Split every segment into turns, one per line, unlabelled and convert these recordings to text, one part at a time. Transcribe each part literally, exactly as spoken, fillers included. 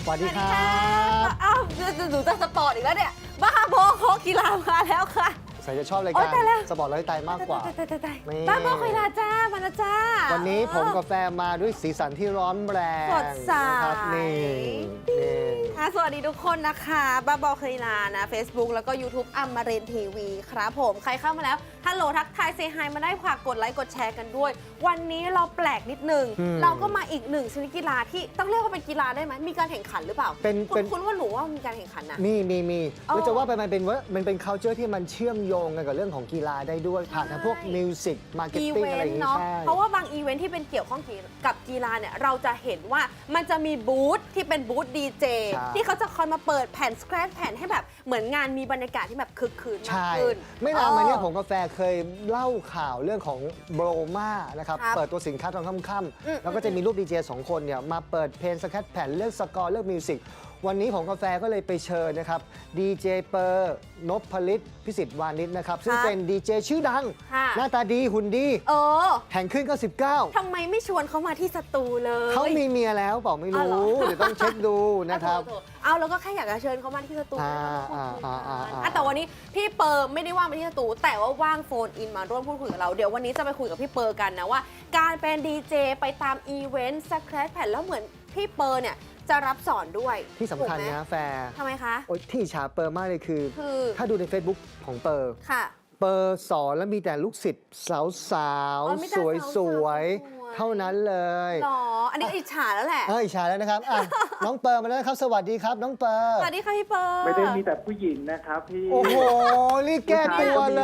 สวัสดีครับ
อ้าวหนูจะสปอร์ตอีกแล้วเนี่ยบ้าบอโคกีฬามาแล้วค่ะ
ใส่จะชอบราย
โอ๊
การ
ยตายแล้ว
สปอร์ตไลฟ์สไตล์มากกว่า
ตายตายตาย
นี่
บ้าบอกีฬาจ้ามาแล้วจ้า
วันนี้ผมกับแฟนมาด้วยสีสันที่ร้อนแรง
สดใส
นะครับนี่นี่
ค่ะสวัสดีทุกคนนะคะบ้าบอกีฬานะ Facebook แล้วก็ YouTube อมรินทร์ทีวีครับผมใครเข้ามาแล้วฮัลโหลทักทายเซฮายมาได้ฝากกดไลค์กดแชร์กันด้วย วันนี้เราแปลกนิดนึง เราก็มาอีกหนึ่งชนิดกีฬาที่ต้องเรียกว่าเป็นกีฬาได้ไหมมีการแข่งขันหรือเปล่า
เป็น
คุ
เป็
ณ
น
คุณว่าหนูว่ามีการแข่งขันนะ
มีมีมี
อ๋อ
แล้วจะว่าไปมันเป็นว่ามันเป็น culture ที่มันเชื่อมโยงกันกับเรื่องของกีฬาได้ด้วยผ่านทางพวก
ใช่
มิวสิกมาร์เก็ต
อี
ติ้ง
เว
อะไร
น
อย่าง
ต์
งี้
เนาะ
ใช่
เพราะว่าบางอีเวนต์ที่เป็นเกี่ยวข้องกับกีฬาเนี่ยเราจะเห็นว่ามันจะมีบูธที่เป็นบูธดีเจ
ใช่
ที่เขาจะคอยมาเปิดแผ่นสแครปแผ่นให้แบบเหมือนงานมีบรรยากาศที่แบบคึกคืนมาก
ใช่
ขึ้น
ไม่นานมาเนี้ย
ออ
ผมกาแฟเคยเล่าข่าวเรื่องของโบรมานะครับ
ครับ
เปิดตัวสินค้าตอนค่
อืม
ำๆแล้วก็จะมีรูปดีเจสองคนเนี่ยมาเปิดเพลงสแครปแผ่นเลือกสกอร์เลือกมิวสิกวันนี้ผมกาแฟก็เลยไปเชิญนะครับดีเจเปอร์นพลิตพิสิทธิ์วานิชนะครับซึ่งเป็นดีเจชื่อดัง
ค่ะ
หน้าตาดีหุ่นดี
เออ
แห่งขึ้นเก้าสิบเก้า
ทำไมไม่ชวนเขามาที่สตูเลย
เขามีเมียแล้วเปล่าไม่
อ๋อเหร
รู้
อ
เดี๋ยวต้องเช็คดูนะครับ
โถๆเอาแล้วก็แค่อยากจะเชิญเขามาที่สตู
อ่าอ่าอ่าอ่าอ่า
อ่ะแต่วันนี้พี่เปิร์ไม่ได้ว่างมาที่สตูแต่ว่าว่างโฟนอินมาร่วมพูดคุยกับเราเดี๋ยววันนี้จะไปคุยกับพี่เปิร์กันนะว่า การเป็นดีเจไปตามอีเวนต์สแครปแผ่นแล้วเหมือนพี่เปิร์เนี่ยจะรับสอนด้วย
ที่สำคัญ
ถูกไหม
นะแฟร์
ทำไมคะ
โอ๊ยที่อิจฉาเปอร์มากเลยคือ
คือ
ถ้าดูใน Facebook ของเปอร์
ค่ะ
เปอร์สอนแล้วมีแต่ลูกศิษย์สาวสาว
อ๋อมีแต่
สวย
สาวๆ
สวย
สวย
เท่านั้นเลย
หรอ อันนี้อิจฉาแล้วแหละ
เอออิจฉาแล้วนะครับอ่ะ น้องเปอร์มาแล้วนะครับ สวัสดีครับ น้องเปอร์
สวัสดีค่ะพี่เปิร์
ไม่ได้มีแต่ผู้หญิงนะครับพี่
โอ้โหรีบแก้ตัวเลย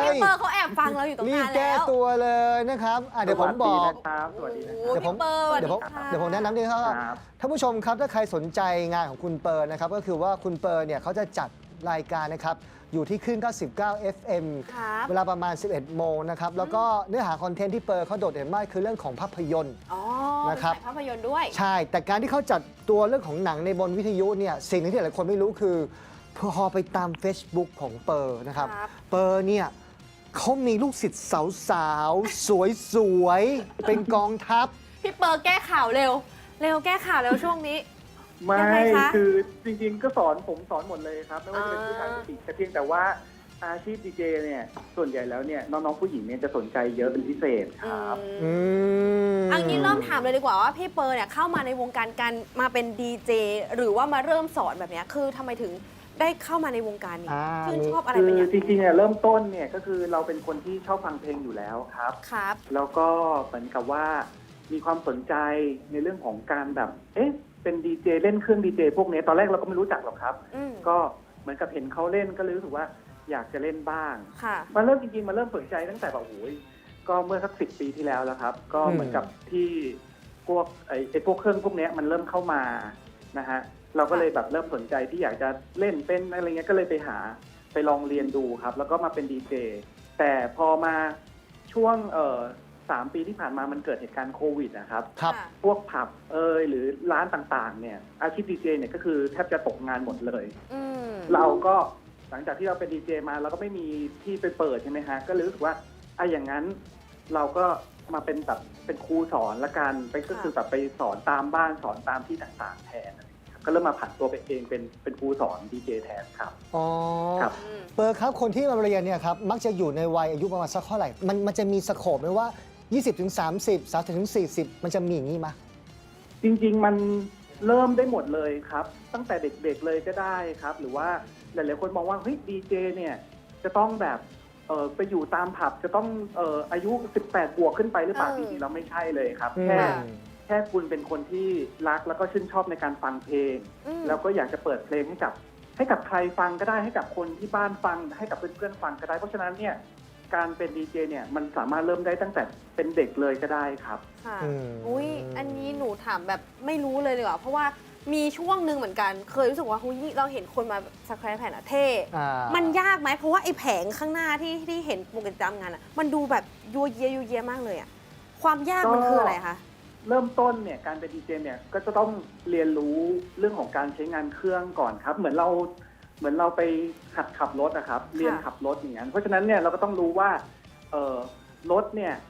พี่เปิร์เขาแอบฟังเราอยู่ตรง
รีบ
นั้น
แก้
แล้ว
ตัวเลยนะครับอ่ะเดี๋ยวผมบอก
สวัสดีนะครับสวัสดีนะค
โอ้
รับ
เดี๋ยวผม
พี่เปิร์สวัส
เดี๋ยวผม
ค่ะ
เดี๋ยวผมแนะนำดีครับ
ครับ
ท่านผู้ชมครับถ้าใครสนใจงานของคุณเปอร์นะครับก็คือว่าคุณเปอร์เนี่ยเขาจะจัดรายการนะครับอยู่ที่คลื่นเก้าสิบเก้า เอฟ เอ็ม
ครับ
เวลาประมาณ สิบเอ็ด โมงนะครับแล้วก็เนื้อหาคอนเทนต์ที่เปอร์เขาโดดเด่นมากคือเรื่องของภาพยนตร์
อ๋อ
นะครับ
เป็นสายภาพยนตร์ด้วย
ใช่ แต่การที่เขาจัดตัวเรื่องของหนังในบนวิทยุเนี่ยสิ่งหนึงที่หลายคนไม่รู้คือพอไปตาม Facebook ของเปอร์นะครับ
ครับ
เปอร์เนี่ยเขามีลูกศิษย์สาวๆ สวยๆ เป็นกองทัพ
พี่เปิร์แก้ข่าวเร็ว เร็วแก้ข่าวเร็วช่วงนี้
ไม่
ยังไงคะ
คือจริงๆก็สอนผมสอนหมดเลยครับ ไม่ว่าจะเป็นผู้ชาย
อ่า
ผู้หญิงแต่เพียงแต่ว่าอาชีพดีเจเนี่ยส่วนใหญ่แล้วเนี่ยน้องๆผู้หญิงเนี่ยจะสนใจเยอะเป็นพิเศษครับ
อืม
อันนี้เริ่มถามเลยดีกว่าว่าพี่เปิร์เนี่ยเข้ามาในวงการการมาเป็นดีเจหรือว่ามาเริ่มสอนแบบเนี้ยคือทำไมถึงได้เข้ามาในวงการนี้
อ่า
ชื่นชอบอะไร
คื
เป็น
อ
อย่าง
จริงๆเนี่ยเริ่มต้นเนี่ยก็คือเราเป็นคนที่ชอบฟังเพลงอยู่แล้วครับ
ครับ
แล้วก็เหมือนกับว่ามีความสนใจในเรื่องของการแบบเอ๊ะเป็นดีเจเล่นเครื่องดีเจพวกนี้ตอนแรกเราก็ไม่รู้จักหรอกครับ
อืม
ก็เหมือนกับเห็นเขาเล่นก็เลยรู้สึกว่าอยากจะเล่นบ้าง
ค่ะ
มาเริ่มจริงๆมาเริ่มสนใจตั้งแต่แบบโอ้ยก็เมื่อสักสิบปีที่แล้วแล้วครับ ก็เหมือนกับที่พวกไอ้ไอ้พวกเครื่องพวกเนี้ยมันเริ่มเข้ามานะฮะเราก็เลยแบบเริ่มสนใจที่อยากจะเล่นเป็นอะไรเงี้ยก็เลยไปหาไปลองเรียนดูครับ แล้วก็มาเป็นดีเจแต่พอมาช่วงเอ่อสามปีที่ผ่านมามันเกิดเหตุการณ์โควิดนะครับ
ครับ
ค่ะ
พวกผับเอยหรือร้านต่างๆเนี่ยอาชีพดีเจเนี่ยก็คือแทบจะตกงานหมดเลย
อืม
เราก็หลังจากที่เราเป็นดีเจมาเราก็ไม่มีที่ไปเปิดใช่ไหมฮะก็เลยรู้สึกว่าไอ้อย่างนั้นเราก็มาเป็นแบบเป็นครูสอนละกันไปก็คือแบบไปสอนตามบ้านสอนตามที่ต่างๆแทนอะไรอย่างเงี้ยครับก็เริ่มมาผันตัวเป็นเองเป็นเป็นครูสอนดีเจแทนครับ
อ๋อ
ครับ
อืม
เปอร์ครับคนที่มาเรียนเนี่ยครับมักจะอยู่ในวัยอายุประมาณสักเท่าไหร่ มันมันจะมีสโคปไหมว่า ยี่สิบถึงสามสิบ สามสิบถึงสี่สิบ มันจะมีอย่างนี้ไหม
จริงๆมันเริ่มได้หมดเลยครับ ตั้งแต่เด็กๆเลยก็ได้ครับ หรือว่าหลายๆคนมองว่าเฮ้ยดีเจเนี่ยจะต้องแบบเออไปอยู่ตามผับจะต้องเอออายุสิบแปดบวกขึ้นไปหรือเปล่า
เออ
จริงๆเราไม่ใช่เลยครับ
อืม
แค่แค่คุณเป็นคนที่รักแล้วก็ชื่นชอบในการฟังเพลง
อืม
แล้วก็อยากจะเปิดเพลงให้กับให้กับใครฟังก็ได้ให้กับคนที่บ้านฟังให้กับเพื่อนๆฟังก็ได้เพราะฉะนั้นเนี่ยการเป็นดีเจเนี่ยมันสามารถเริ่มได้ตั้งแต่เป็นเด็กเลยก็ได้ครับ
ค่ะ
อืม
อุ้ยอันนี้หนูถามแบบไม่รู้เลยดีกว่าเพราะว่ามีช่วงหนึ่งเหมือนกัน เคยรู้สึกว่าหุ้ยเราเห็นคนมาสแครปแผ่นอะเท่
อ่า
มันยากไหมเพราะว่าไอ้แผงข้างหน้าที่ที่เห็นปกติตามงานอะมันดูแบบยัวเยียยัวเยียมากเลยอะความยากมันคืออะไรคะ
เริ่มต้นเนี่ยการเป็นดีเจเนี่ยก็จะต้องเรียนรู้เรื่องของการใช้งานเครื่องก่อนครับ เหมือนเราเหมือนเราไปหัดขับรถนะครับ เรียนขับรถอย่างนั้นเพราะฉะนั้นเนี่ยเราก็ต้องรู้ว่าเออรถเนี่ย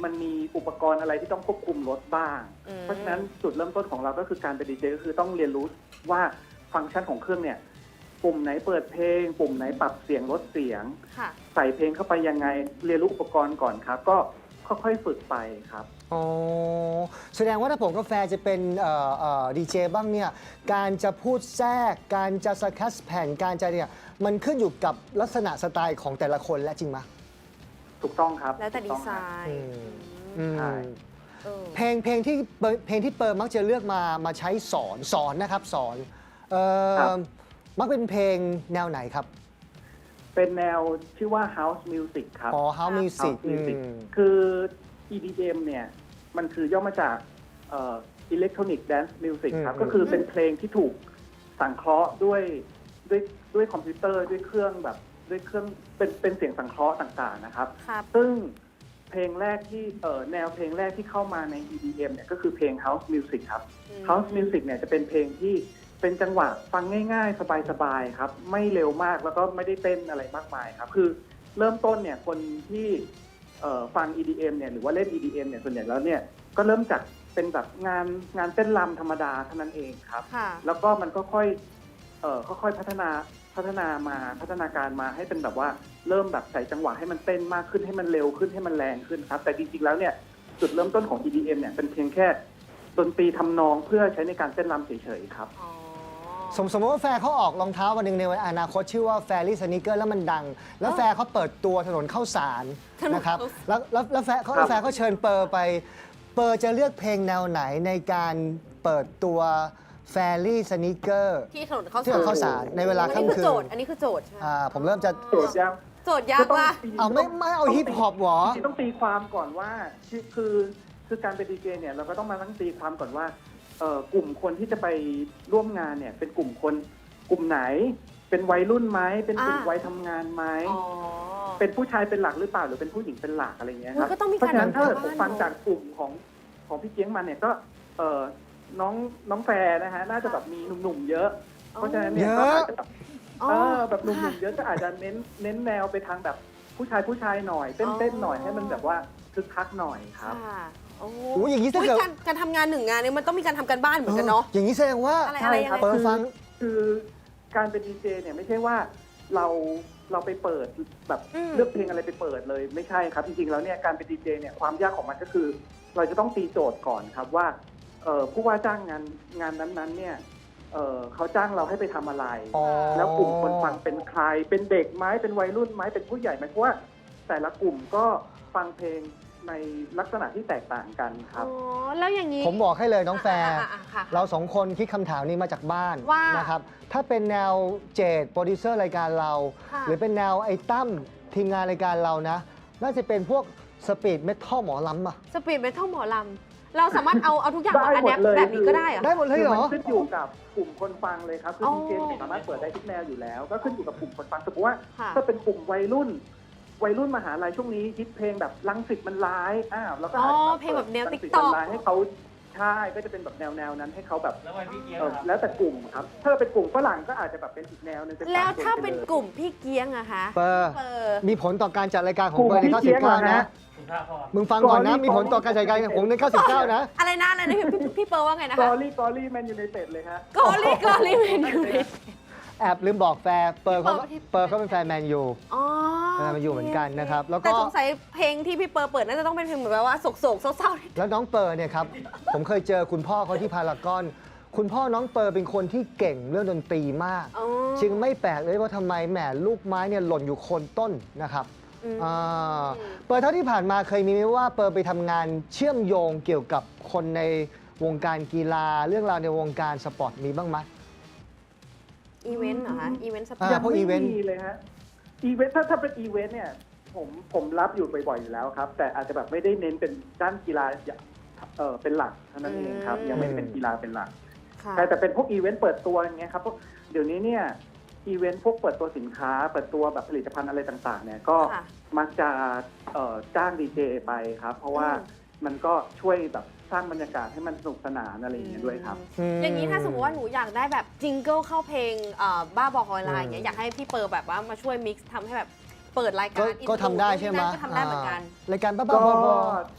มันมีอุปกรณ์อะไรที่ต้องควบคุมรถบ้าง
อืม
เพราะฉะนั้นจุดเริ่มต้นของเราก็คือการเป็นดีเจก็คือต้องเรียนรู้ว่าฟังก์ชันของเครื่องเนี่ยปุ่มไหนเปิดเพลง ปุ่มไหนปรับเสียงลดเสียง
ค่ะ
ใส่เพลงเข้าไปยังไงเรียนรู้อุปกรณ์ก่อนครับ ก็ค่อยๆฝึกไปครับ
อ๋อแสดงว่าถ้าผมกาแฟจะเป็นดีเจบ้างเนี่ยการจะพูดแทรกการจะสแคสแผ่นการจะเนี่ยมันขึ้นอยู่กับลักษณะสไตล์ของแต่ละคนและจริงไหม
ถูกต้องครับ
แล้วแต่
ถู
ดี
กต้อง
ไซ
ครับ
น์
อืม
อื
อื
ม
ม
ใช่
เออ
เพลงเพลงที่เปิดเพลงที่เปิดมักจะเลือกมามาใช้สอนสอนนะครับสอนเอ่อ
ครับ
มักเป็นเพลงแนวไหนครับ
เป็นแนวชื่อว่า House Music ครับ
อ๋อ House Music
House Music
อืม
คือ อี ดี เอ็ม เนี่ยมันคือย่อมาจากเอ่อ Electronic Dance Music ครับ
อืม
ก็คือเป็นเพลงที่ถูกสังเคราะห์ด้วยด้วยด้วยคอมพิวเตอร์ด้วยเครื่องแบบด้วยเครื่องเป็นเป็นเสียงสังเคราะห์ต่างๆนะครับ
ครับ
ซึ่งเพลงแรกที่เอ่อแนวเพลงแรกที่เข้ามาใน อี ดี เอ็ม เนี่ยก็คือเพลง House Music ครับ
อืม
House Music เนี่ยจะเป็นเพลงที่เป็นจังหวะฟังง่ายๆ สบายๆครับไม่เร็วมากแล้วก็ไม่ได้เต้นอะไรมากมายครับคือเริ่มต้นเนี่ยคนที่เอ่อฟัง อี ดี เอ็ม เนี่ยหรือว่าเล่น อี ดี เอ็ม เนี่ยส่วนใหญ่แล้วเนี่ยก็เริ่มจากเป็นแบบงานงานเต้นรำธรรมดาเท่านั้นเองครับ
ค่ะ
แล้วก็มันก็ค่อยเอ่อค่อยๆพัฒนาพัฒนามาพัฒนาการมาให้เป็นแบบว่าเริ่มแบบใส่จังหวะให้มันเต้นมากขึ้นให้มันเร็วขึ้นให้มันแรงขึ้นครับแต่จริงๆแล้วเนี่ยจุดเริ่มต้นของ อี ดี เอ็ม เนี่ยเป็นเพียงแค่ดนตรีทำนองเพื่อใช้ในการเต้นรำเฉยๆครับ
อ๋อ
สมสมมติว่าแฟร์เขาออกรองเท้าวันหนึ่งในอนาคตชื่อว่าแฟรี่สนิเกอร์แล้วมันดัง แล้วแฟร์เขาเปิดตัวถนนเข้าสาร
ถนน
นะครับ
เข้าสาร
แล้วแล้วแล้วแฟร์เขา
ครับ
แฟร์เขาเชิญเปอร์ไป เปอร์จะเลือกเพลงแนวไหนในการเปิดตัวแฟรี่สนิเกอร์
ที่ถนนเข้า
ที่ถนนเข้าสารในเวลา
อันนี้
ค่ำ
คือ
คื
โจ
น
ทย์ อันนี้คือโจทย์ใช่ไหม
อ่าผมเริ่มจะ
โจทย์ยัง
โจทย์ยากว่ะ
เอาไม่ไม่เอาฮิปฮอปหรอ
จริงๆต้องตีความก่อนว่าคือคือคือการเป็นดีเจเนี่ยเราก็ต้องมาตั้งตีความก่อนว่าเอ่อกลุ่มคนที่จะไปร่วมงานเนี่ยเป็นกลุ่มคนกลุ่มไหน เป็นวัยรุ่นไหมเป็นกลุ่ม
อ่า
วัยทำงานไหม
อ๋อ
เป็นผู้ชายเป็นหลักหรือเปล่าหรือเป็นผู้หญิงเป็นหลักอะไรเงี้ยครับ
มันก็ต้องมี
เพราะฉะนั้น
การ
ถ้าเกิด
ทำ
ผ
การ
มฟัง
บ้าน
จากกลุ่มของของพี่เกียงมันเนี่ยก็เออน้องน้องแฟร์นะฮะน่าจะแบบมีหนุ่มๆเยอะ เพราะฉะนั้นเนี่ยก็อาจจะแบบ
อ๋อ
เออแบบหนุ่มๆเยอะก็อาจจะเน้นเน้นแนวไปทางแบบผู้ชายผู้ชายหน่อยเต้นเต้นหน่อยให้มันแบบว่าคึกคักหน่อยครับ
ค่ะโอ้
โอ้ยอย่างนี้ถ้า
อุ๊ย
เกิด
การการทำงานหนึ่งงานเนี่ยมันต้องมีการทำการบ้านเหมือนกันเนาะ
อย่างนี้แสดงว่า
อะไร
ใช่
อะไร
ครับ
ยังไง
เปิดฟัง
คือการเป็นดีเจเนี่ยไม่ใช่ว่าเราเราไปเปิดแบบ
อืม
เลือกเพลงอะไรไปเปิดเลยไม่ใช่ครับจริงๆแล้วเนี่ยการเป็นดีเจเนี่ยความยากของมันก็คือ เราจะต้องตีโจทย์ก่อนครับว่าเอ่อผู้ว่าจ้างงานงานนั้นๆเนี่ยเอ่อเขาจ้างเราให้ไปทำอะไร
อ๋อ
แล้วกลุ่มคนฟังเป็นใคร เป็นเด็กไหมเป็นวัยรุ่นไหมเป็นผู้ใหญ่ไหมเพราะว่าแต่ละกลุ่มก็ฟังเพลงในลักษณะที่แตกต่างกันครับ
อ๋อ แล้วอย่างนี้
ผมบอกให้เลยน้องแฟร์
อ่ะอ่ะอ่ะค่ะ
เราสองคนคิดคำถามนี้มาจากบ้าน
ว่า
นะครับ ถ้าเป็นแนวเจดโปรดิวเซอร์รายการเรา
ค่ะ
หรือเป็นแนวไอ้ตั้มทีมงานรายการเรานะ น่าจะเป็นพวกสปีดเมทัลหมอลำอะ
สปีดเมทัลหมอลำ เราสามารถเอาเอาทุกอย่างมา
ได้
อัด
หม
แอ
ด
ป
เลย
แบบนี้ก็ได้เหรอ
ได้หมดเลยเหรอ
คือมันขึ้นอยู่กับกลุ่มคนฟังเลยครับคือ
อ๋อ
ดีเจเนี่ยสามารถเปิดได้ทุกแนวอยู่แล้ว ก็ขึ้นอยู่กับกลุ่มคนฟังสมมติว่า
ค่ะ
ถ้าเป็นกลุ่มวัยรุ่น วัยรุ่นมหาลัยช่วงนี้ฮิตเพลงแบบลังสิตมันร้ายอ้าวแล้วก็
อ๋อ
อาจจะ
เพลงแบบแนว
รังสิต
TikTok
มันร้ายให้เขาใช่ก็จะเป็นแบบแนวแนวๆนั้นให้เขาแบบ
แล้ววันพี่เกียร์
เอ่อ
ครับ
แล้วแต่กลุ่มครับ ถ้าเป็นกลุ่มฝรั่งก็อาจจะแบบเป็นอีกแนวหนึง
แล้วถ้าเป็นกลุ่มพี่เกียงอะคะ
เปอร์
เปอร์
มีผลต่อการจัดรายการของเบอร์ในเก้าสิบเก้านะ
คุณพระพร
มึงฟังก่อนนะ มีผลต่อการจัดรายการของในเก้าสิบเก้านะ
อะไรนะอะไรนะพี่พี่พี่เปอร์ว่าไงนะ
กอ
คะ
รี่กอรี่แมนยูไนเต็ดเลยฮะ
กอลี่กอลี่เมนู
แอบลืมบอกแฟร์เปอร์เขา
เปอร์ที่
เปอร์เขาเป็นแฟนแมนยู
อ๋อ
แฟนแมนยูเหมือนกันนะครับแล้วก็
แต่สงสัยเพลงที่พี่เปอร์เปิดน่าจะต้องเป็นเพลงเหมือนแบบว่าโศกๆเศร้าๆ
แล้วน้องเปอร์เนี่ยครับ ผมเคยเจอคุณพ่อเขาที่พารากอน คุณพ่อน้องเปอร์เป็นคนที่เก่งเรื่องดนตรีมาก
อ๋อ
จึงไม่แปลกเลยว่าทำไมแหมลูกไม้เนี่ยหล่นอยู่โคนต้นนะครับ
อืม
อ่าเปอร์เท่าที่ผ่านมาเคยมีไหมว่าเปอร์ไปทำงานเชื่อมโยงเกี่ยวกับคนในวงการกีฬาเรื่องราวในวงการสปอร์ตมีบ้างไหม
อีเวนต์เหรอคะอีเวนต์สปอ
อ่า
ร์ต
ยัง
พวก
ไม่
อีเวนต์
มีเลยฮะอีเวนต์ถ้าถ้าเป็นอีเวนต์เนี่ยผมผมรับอยู่บ่อยๆอยู่แล้วครับ แต่อาจจะแบบไม่ได้เน้นเป็นด้านกีฬาเออเป็นหลักเท่านั้นเองครับ ยังไม่ได้เป็นกีฬาเป็นหลัก
ค่ะ
ใช่แต่เป็นพวกอีเวนต์เปิดตัวอย่างเงี้ยครับพวกเดี๋ยวนี้เนี่ยอีเวนต์พวกเปิดตัวสินค้า เปิดตัวแบบผลิตภัณฑ์อะไรต่างๆเนี่ยก็
ค่ะ
มักจะเอ่อจ้างดีเจไปครับ เพราะว่า
อืม
มันก็ช่วยแบบสร้างบรรยากาศให้มันสนุกสนานอะไรอย่างเงี้ยด้วยครับ
อย่างนี้ถ้าสมมติว่าหนูอยากได้แบบจิงเกิลเข้าเพลงเอ่อบ้าบอคอยไลน์อย่างเงี้ย
อืม
อยากให้พี่เปอร์แบบว่ามาช่วยมิกซ์ทำให้แบบเปิดราย
ก็
การ
ก็ทำได้ใช่ไหม
ก็ทำได้เหมือนกัน
อ่ารายการบ้า
ก็
ๆบอ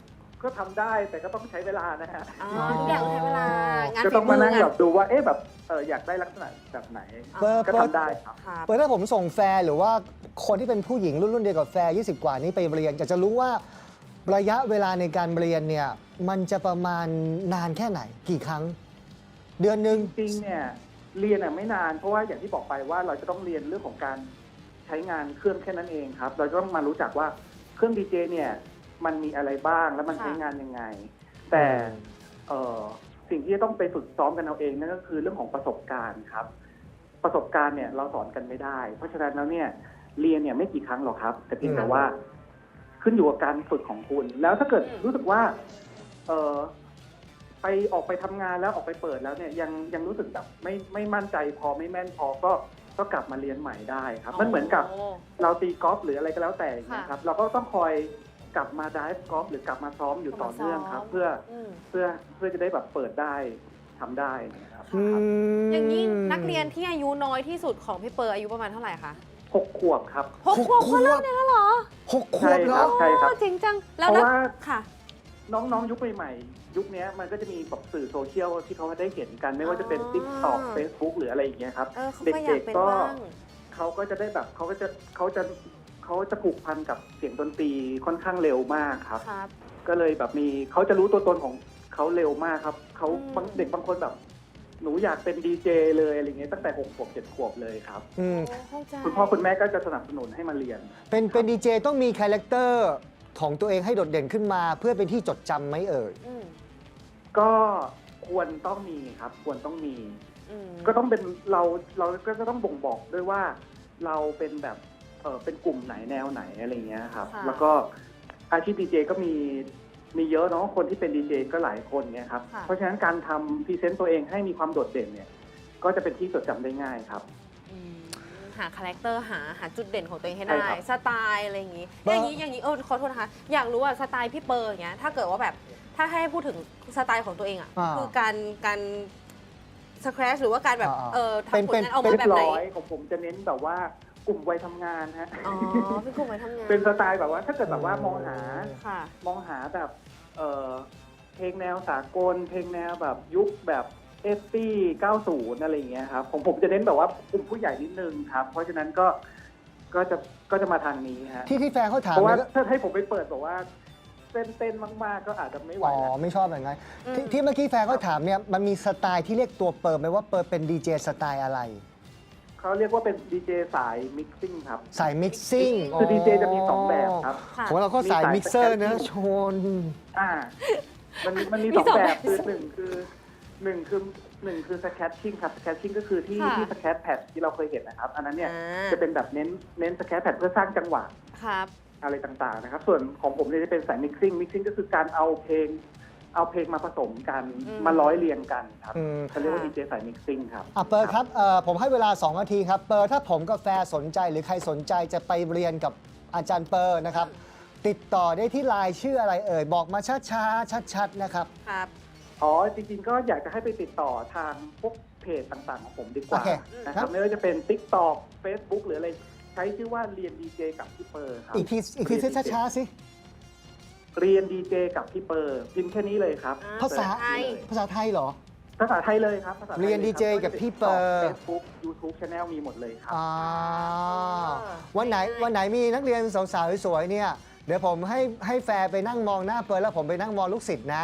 ก็ทำได้แต่ก็ต้องใช้เวลานะฮะ
อ๋อทุกอย่างต้องใช้เวลางาน
ก็
ฝี
ต้อง
มื
มา
อ
นั่ง
งาน
แบบดูว่าเอ๊ะแบบเอออยากได้ลักษณะแบบไหน
เปิด
ก็
เปิด
ทำได้ครับ
ครับ
เปิดถ้าผมส่งแฟร์หรือว่าคนที่เป็นผู้หญิงรุ่นรุ่นเดียวกับแฟร์ยี่สิบกว่านี้ไปเรียนอยากจะรู้ว่าระยะเวลาในการเรียนเนี่ยมันจะประมาณนานแค่ไหนกี่ครั้ง เดือนหนึ่ง
จริงๆเนี่ยเรียนอ่ะไม่นานเพราะว่าอย่างที่บอกไปว่าเราจะต้องเรียนเรื่องของการใช้งานเครื่องแค่นั้นเองครับ เราจะต้องมารู้จักว่าเครื่องดีเจเนี่ยมันมีอะไรบ้างแล้วมัน
ค่ะ
ใช้งานยังไง แต่เอ่อสิ่งที่จะต้องไปฝึกซ้อมกันเอาเองนั่นก็คือเรื่องของประสบการณ์ครับ ประสบการณ์เนี่ยเราสอนกันไม่ได้ เพราะฉะนั้นแล้วเนี่ยเรียนเนี่ยไม่กี่ครั้งหรอกครับ แต่เพียงแต่ว่าขึ้นอยู่กับการฝึกของคุณ แล้วถ้าเกิดรู้สึกว่าเออไปออกไปทำงานแล้วออกไปเปิดแล้วเนี่ยยังยังรู้สึกแบบไม่ไม่มั่นใจพอไม่แม่นพอก็ก็กลับมาเรียนใหม่ได้ครับ มันเหมือนกับ
โอ้
เราตีกอล์ฟหรืออะไรก็แล้วแต่อย่างเงี้ย
ค่ะ
ครับ เราก็ต้องคอยกลับมาไดฟ์กอล์ฟหรือกลับมาซ้อมอยู่ต่อเนื่องครับ
ซ้อม
เพื่อ
อืม
เพื่อเพื่อจะได้แบบเปิดได้ทำได้นะครับ
อืม
อย่างนี้นักเรียนที่อายุน้อยที่สุดของพี่เปอร์อายุประมาณเท่าไหร่คะ
หกขวบครับ
หกขวบก็เริ่มเรียนแล้วเหรอ
หกขวบเหรอ
ใช่ครับ
โอ้จริงจังแล้ว
เพราะ
นะ
ว่า
ค่ะ
น้องๆยุคใหม่ๆยุคนี้มันก็จะมีแบบสื่อโซเชียลที่เขาได้เห็นกัน ไม่ว่าจะเป็น
อ๋อ
ติ๊กต็อกเฟซบุ๊กหรืออะไรอย่างเงี้ยครับ
เออเขาก็อยากเป็นบ้าง
เขาก็จะได้แบบเขาก็จะเขาจะเขาจะผูกพันกับเสียงดนตรีค่อนข้างเร็วมากครับ
ครับ
ก็เลยแบบมีเขาจะรู้ตัวตนของเขาเร็วมากครับเขา
อืม
บางเด็กบางคนแบบ หนูอยากเป็นดีเจเลยอะไรเงี้ยตั้งแต่หกขวบเจ็ดขวบเลยครับ
อืม
โอ้เข้าใจ
คุณพ่อคุณแม่ก็จะสนับสนุนให้มาเรียน
เป็นเป็นดีเจต้องมีคาแรคเตอร์ของตัวเองให้โดดเด่นขึ้นมา เพื่อเป็นที่จดจำไหมเอ่ย
อืม
ก็ควรต้องมีครับ ควรต้องมี
อืม
ก็ต้องเป็นเราเราก็จะต้องบ่งบอกด้วยว่าเราเป็นแบบเออเป็นกลุ่มไหนแนวไหนอะไรเงี้ยครับ
ค่ะ
แล้วก็อาชีพดีเจก็มีมีเยอะเนาะคนที่เป็นดีเจก็หลายคนเนี่ยครับ
ค่ะ
เพราะฉะนั้นการทำพรีเซนต์ตัวเองให้มีความโดดเด่นเนี่ย ก็จะเป็นที่จดจำได้ง่ายครับ
อืมหาคาแรคเตอร์หาหาจุดเด่นของตัวเองให้
ใช่
ได้
ครับ
สไตล์อะไรอย่างนี้
เบอ
อ
ร์
ย่างนี้อย่างนี้เออขอโทษนะคะ อยากรู้ว่าสไตล์พี่เปอร์อย่างเงี้ยถ้าเกิดว่าแบบถ้าให้พูดถึงสไตล์ของตัวเองอ่ะ
อ่า
คือการการสครชหรือว่าการแบบ
อ่า
เออ
เป็น
ทำผล
เป็น
งานออก
เรี
มาย แบบ
บ
ไหน
ร้อยของผมจะเน้นแบบว่ากลุ่มวัยทำงานฮะ
อ๋อพี่กลุ่มไปทำงาน
เป็นสไตล์แบบว่าถ้าเกิดแบบว่ามองหา
ค่ะ
มองหาแบบเออเพลงแนวสากล เพลงแนวแบบยุคแบบเอฟตี้เก้าสิบอะไรอย่างเงี้ยครับของผมจะเน้นแบบว่ากลุ่มผู้ใหญ่นิดนึงครับ เพราะฉะนั้นก็ก็จะก็จะมาทางนี้ฮะ
ที่ที่แฟนเขาถาม
เพราะว่า
เนี่ยก็
ถ้าให้ผมไปเปิดบอกว่าเต้นเต้นมากๆ ก็อาจจะไม่ไหว
อ๋อ
แล้ว
ไม่ชอบแบบนั้น
อืม
ที่ที่เมื่อกี้แฟนเขาถามเนี่ยมันมีสไตล์ที่เรียกตัวเปิร์ไหมว่าเปิร์เป็นดีเจสไตล์อะไร
เขาเรียกว่าเป็นดีเจสายมิกซิ่งครับ
สายมิกซิ่ง
คือดีเจจะมีสองแบบครับ
ค่ะ
ของเราก็สาย
มีสาย
มิกเซอร์นะ
สแกน
ชน
อ่า มันมันมี
มี
สอง
สอง
แบ
แบบ บ
คือหนึ่งคือหนึ่งคือหนึ่งคือสแคทชิ่งครับสแคทชิ่งก็คือที่
ค่ะ
ที่สแคทแพดที่เราเคยเห็นนะครับ อันนั้นเนี่ย
อ่า
จะเป็นแบบเน้นเน้นสแคทแพดเพื่อสร้างจังหวะ
ครับ
อะไรต่างๆนะครับ ส่วนของผมเนี่ยจะเป็นสายมิกซิ่งมิกซิ่งก็คือการเอาเพลง เอาเพลงมาผสมกัน
อืม
มาร้อยเรียงกันครับ
อืม
เขาเรียกว่า
ค่ะ
ดีเจสายมิกซิ่งครับ
อ่ะเปิร์ครับเอ่อผมให้เวลา สอง นาทีครับ เปิร์ถ้าผมกับแฟนสนใจหรือใครสนใจจะไปเรียนกับอาจารย์เปิร์นะครับ ติดต่อได้ที่ไลน์ชื่ออะไรเอ่ย บอกมาช้าๆ ชัดๆ นะครับ
ครับ
อ๋อจริงๆก็อยากจะให้ไปติดต่อทางพวกเพจต่างๆ ของผมดีกว่า
โอเค
นะครับไม่ว่าจะเป็น TikTok Facebook หรืออะไร ใช้ชื่อว่าเรียนดีเจกับพี่เปอร์ครับ
อีกทีอีกทีช้าๆ สิ
เรียนดีเจกับพี่เปอร์พิมพ์แค่นี้เลยครับ
อ่า
ภาษา
ไทย
ภาษาไทยเหรอ
ภาษาไทยเลยครับภาษาไทย
เรียน ดีเจ กับพี่เปอร์
เฟซบุ๊กยูทูบช anel มีหมดเลยครับ
อ่า
อ่า
วันไหนวันไหนมีนักเรียนสาวๆ สวยๆ เนี่ย เดี๋ยวผมให้ให้แฟร์ไปนั่งมองหน้าเปิร์แล้วผมไปนั่งมองลูกศิษย์นะ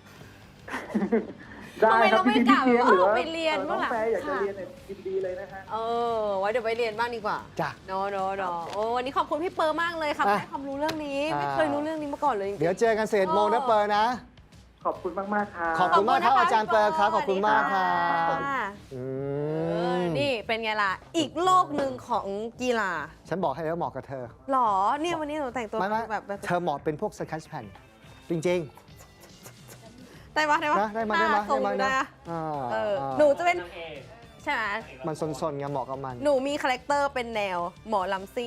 ทำไมเราไม่กล่าว
พี่
ว่า
หรือว่า
ไปเรียน
น้
บ้า
อง ง
ล่ะ
แฟร์อยากจะ
ค่ะ
เรียนเนี่ยยินดีเลยนะฮะ
เออไว้เดี๋ยวไปเรียนบ้างดีกว่า
จ้ะ
โนโนโนโอ้วันนี้ขอบคุณพี่เปอร์มากเลยค่ะ
อ่ะ
ให้ความรู้เรื่องนี้ ไม่
อ่า
เคยรู้เรื่องนี้มาก่อนเลยจริงๆ
เดี๋ยวเจอกันสิบเอ็ดโมงนะเปิร์นะ
ขอบคุณมากๆครับ
ขอบคุณมากครับอาจารย์เปิร์ครับขอบคุณมากครับ
ค่ะ
อื
เออ
ม
นี่เป็นไงล่ะ อีกโลกหนึ่งของกีฬา
ฉันบอกให้แล้วเหมาะกับเธอ
หรอ เนี่ยวันนี้หนูแต่งตัว
ไม่ไม่
แบบแบบ
เธอเหมาะเป็นพวกสแคชแผ่นจริง
ได้ปะได้
ๆ
ปะ
นะได้มาได้มา
ทรง
ได้มา
ได้
นะ
อะ
อ่า
เออ
อ่า
หนูจะเป็น ใช่ไหม
มันซนๆไงเหมาะกับมัน
หนูมีคาแรคเตอร์เป็นแนวหมอลำซิ่ง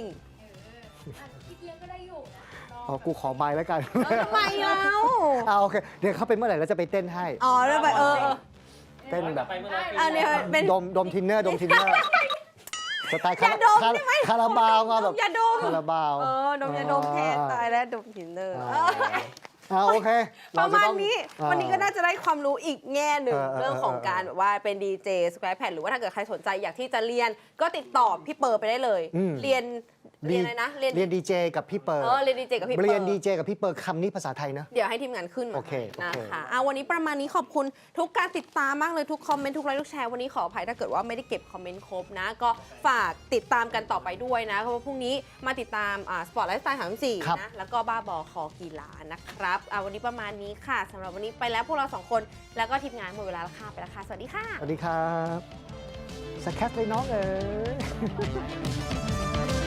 อ๋อกูขอใบแล้วกัน
เออทำไมแล้ว
อ่าโอเค เดี๋ยวเขาเป็นเมื่อไหร่แล้วจะไปเต้นให้
อ๋อแล้วไปเออเออ
เต้นแบบ
อันนี้เป็น
ดมดมทินเนอร์ดมทินเนอร์สไตล์คา
อย่าดม
คา
ได้ไหม
คาราบาวมาแบบ
อย่าดม
คาราบาว
เออดมยาดมแทน
อ่า
ตายแล้วดมทินเนอร์
อ่า
เออ
อ่าโอเค
ประ
เจ
มาณ
ต้อง
นี้
อ่า
วันนี้ก็น่าจะได้ความรู้อีกแง่หนึ่ง
เออเออ
เรื่องของการแบบว่าเป็นดีเจสแควร์แพดหรือว่าถ้าเกิดใครสนใจอยากที่จะเรียนก็ติดต่อพี่เปิร์ไปได้เลย
อืม
เรียนเรียนอะไรนะ
เรียนดีเจกับพี่เปิร์
เออเรียนดีเจกับพี่เปิร์
เรียนดีเจกับพี่เปิร์คำนี้ภาษาไทยนะ
เดี๋ยวให้ทีมงานขึ้นมา
โอเคโอ
นะ
เค
คะเอาวันนี้ประมาณนี้ขอบคุณทุกการติดตามมากเลยทุกคอมเมนต์ทุกไลค์ทุกแชร์วันนี้ขออภัยถ้าเกิดว่าไม่ได้เก็บคอมเมนต์ครบนะ ก็ฝากติดตามกันต่อไปด้วยนะเพราะว่าพรุ่งนี้มาติดตามอ่าสปอร์ตไลฟ์สไตล์สามสี่
ครับ
นะแล้วก็บ้าบอคอกีฬานะครับเอาวันนี้ประมาณนี้ค่ะสำหรับวันนี้ไปแล้วพวกเราสองคนแล้วก็ทีมงานหมดเวลาแล้วค่ะไปแล้วค่ะสวัสดีค่ะ
สวัสดีครับสแคทเลยน้องเอ๋ย